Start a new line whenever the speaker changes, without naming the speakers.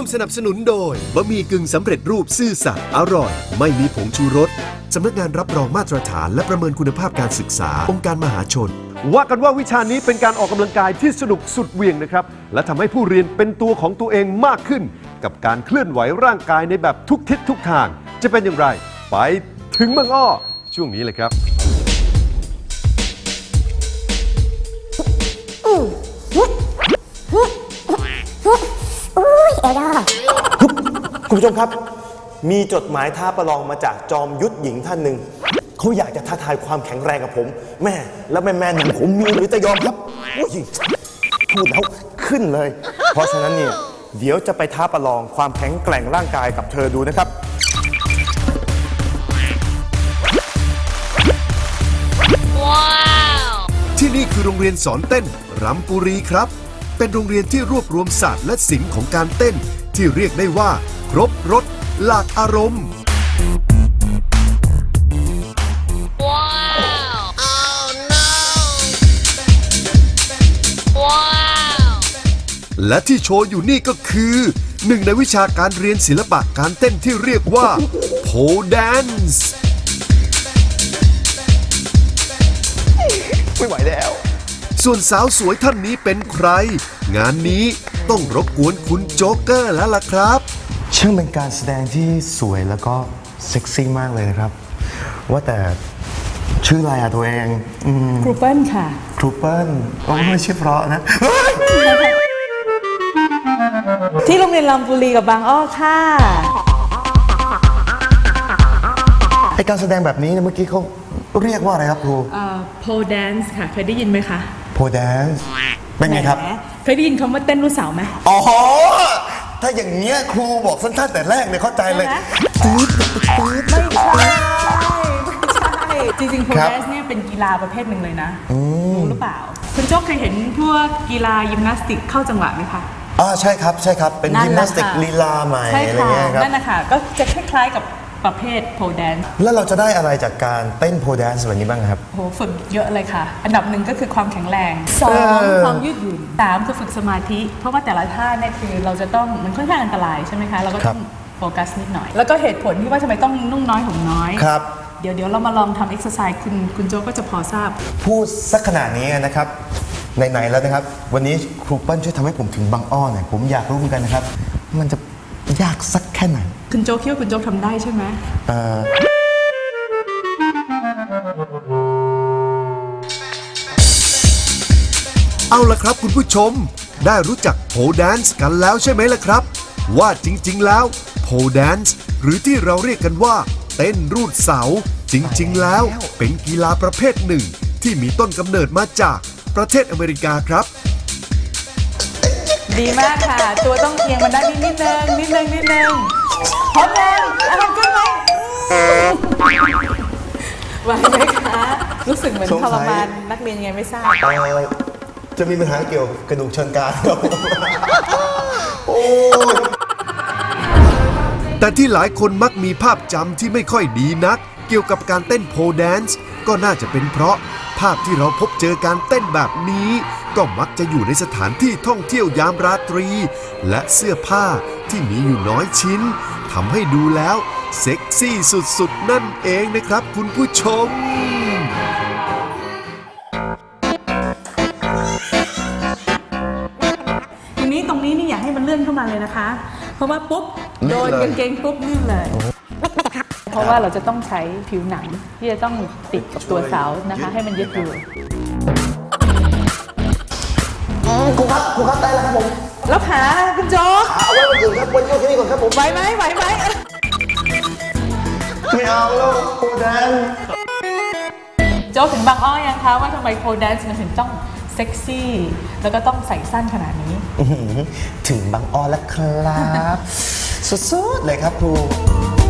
มสนับสนุนโดยบะหมี่กึ่งสำเร็จรูปซื่อสัตย์อร่อยไม่มีผงชูรสสำนักงานรับรองมาตรฐานและประเมินคุณภาพการศึกษาองค์การมหาชนว่ากันว่าวิชานี้เป็นการออกกำลังกายที่สนุกสุดเหวี่ยงนะครับและทำให้ผู้เรียนเป็นตัวของตัวเองมากขึ้นกับการเคลื่อนไหวร่างกายในแบบทุกทิศทุกทางจะเป็นอย่างไรไปถึงบางอ้อช่วงนี้เลยครับ
คุณผู้ชมครับมีจดหมายท้าประลองมาจากจอมยุทธหญิงท่านหนึ่งเขาอยากจะท้าทายความแข็งแรงกับผมแม่แล้วแม่หนุ่มผมมีหรือจะยอมครับพูดแล้วขึ้นเลยเพราะฉะนั้นเนี่ยเดี๋ยวจะไปท้าประลองความแข็งแกร่งร่างกายกับเธอดูนะครับ
ที่นี่คือโรงเรียนสอนเต้นรำปุรีครับเป็นโรงเรียนที่รวบรวมศาสตร์และศิลป์ของการเต้นที่เรียกได้ว่าครบรสหลากอารมณ์และที่โชว์อยู่นี่ก็คือหนึ่งในวิชาการเรียนศิลปะการเต้นที่เรียกว่าโพแดนซ์
ไม่ไหวแล้ว
ส่วนสาวสวยท่านนี้เป็นใครงานนี้ต้องรบกวนคุณโจ๊กเกอร์แล้วล่ะครับ
ช่างเป็นการแสดงที่สวยแล้วก็เซ็กซี่มากเลยนะครับว่าแต่ชื่ออะไรอะตัวเอง
ครูเปิลค่ะ
ครูเปิลไม่ชื่อเพราะนะ
ที่โรงเรียนลำปุรีกับบางอ้อค่ะ
ไอการแสดงแบบนี้เมื่อกี้เขาเรียกว่าอะไรครับครู
โพแดนซ์ค่ะเคยได้ยินไหมคะ
โพแดนซ์เป็นไงครับ
เคยได้ยินคำว่าเต้นลูกสาวไหม
อ๋อถ้าอย่างเงี้ยครูบอกสั้นๆแต่แรกเนี่ยเข้าใจเลย
ไม่ใช่จริงๆโพแดนซ์เนี่ยเป็นกีฬาประเภทหนึ่งเลยนะรู้หรือเปล่าคุณโจ๊กเคยเห็นพวกกีฬายิมนาสติกเข้าจังหวะไหมคะ
ใช่ครับใช่ครับเป็นยิมนาสติกลีลาใหม่อะไรเงี้ยครับ
นั่นนะคะก็จะคล้ายๆกับประเภทโพแดนซ์
แล้วเราจะได้อะไรจากการเต้นโพแดนซ์แบบนี้บ้างครับ
โหฝึกเยอะเลยค่ะอันดับหนึ่งก็คือความแข็งแรง2ความยืดหยุ่น3คือฝึกสมาธิเพราะว่าแต่ละท่าเนี่ยคือเราจะต้องมันค่อนข้างอันตรายใช่ไหมคะเราก็ต้องโฟกัสนิดหน่อยแล้วก็เหตุผลที่ว่าทำไมต้องนุ่งน้อยห่มน้อย
ครับ
เดี๋ยวเรามาลองทำเอ็กซ์ไซส์คุณโจก็จะพอทราบ
พูดสักขนาดนี้นะครับไหนๆแล้วนะครับวันนี้ครูเปิ้ลช่วยทำให้ผมถึงบางอ้อหน่อยผมอยากรู้เหมือนกันนะครับมันจะยากสักแค่ไหน
คุณโจคิดว่าคุณโจทำได้ใช่ไหม
เอาล่ะครับคุณผู้ชมได้รู้จักโพแดนซ์กันแล้วใช่ไหมล่ะครับว่าจริงๆแล้วโพแดนซ์หรือที่เราเรียกกันว่าเต้นรูดเสาจริงๆแล้วเป็นกีฬาประเภทหนึ่งที่มีต้นกำเนิดมาจากประเทศอเมริกาครับ
ดีมากค่ะตัวต้องเอียงมาด้านนิดนึงพร้อมแล้วขึ้นไหมไหวไหมคะรู้สึกเหมือนทรมานนักเรียนยังไงไม่ทราบ
จะมีปัญหาเกี่ยวกับกระดูกเชิงกรานครับ
แต่ที่หลายคนมักมีภาพจำที่ไม่ค่อยดีนักเกี่ยวกับการเต้นโพแดนซ์ก็น่าจะเป็นเพราะภาพที่เราพบเจอการเต้นแบบนี้ก็มักจะอยู่ในสถานที่ท่องเที่ยวยามราตรีและเสื้อผ้าที่มีอยู่น้อยชิ้นทำให้ดูแล้วเซ็กซี่สุดๆนั่นเองนะครับคุณผู้ชม
ทีนี้ตรงนี้นี่อยากให้มันเลื่อนเข้ามาเลยนะคะเพราะว่าปุ๊บโดนกางเกงปุ๊บลื่นเลยเพราะว่าเราจะต้องใช้ผิวหนังที่จะต้องติดกับตัวเสานะคะให้มันยึดอยู่
ครูครับได้แล้วครับผม
แล้วขาคุณโจ๊ก
เอาไว้วันอื่นครับวันนี้แค่นี้ก่อนครับผม
ไหวไหม
ไม่เอาแล้วโพแดนซ์
โจ๊กถึงบางอ้อยังคะว่าทำไมโพแดนซ์มันถึงต้องเซ็กซี่แล้วก็ต้องใส่สั้นขนาดนี้
ถึงบางอ้อแล้วครับสุดๆเลยครับครู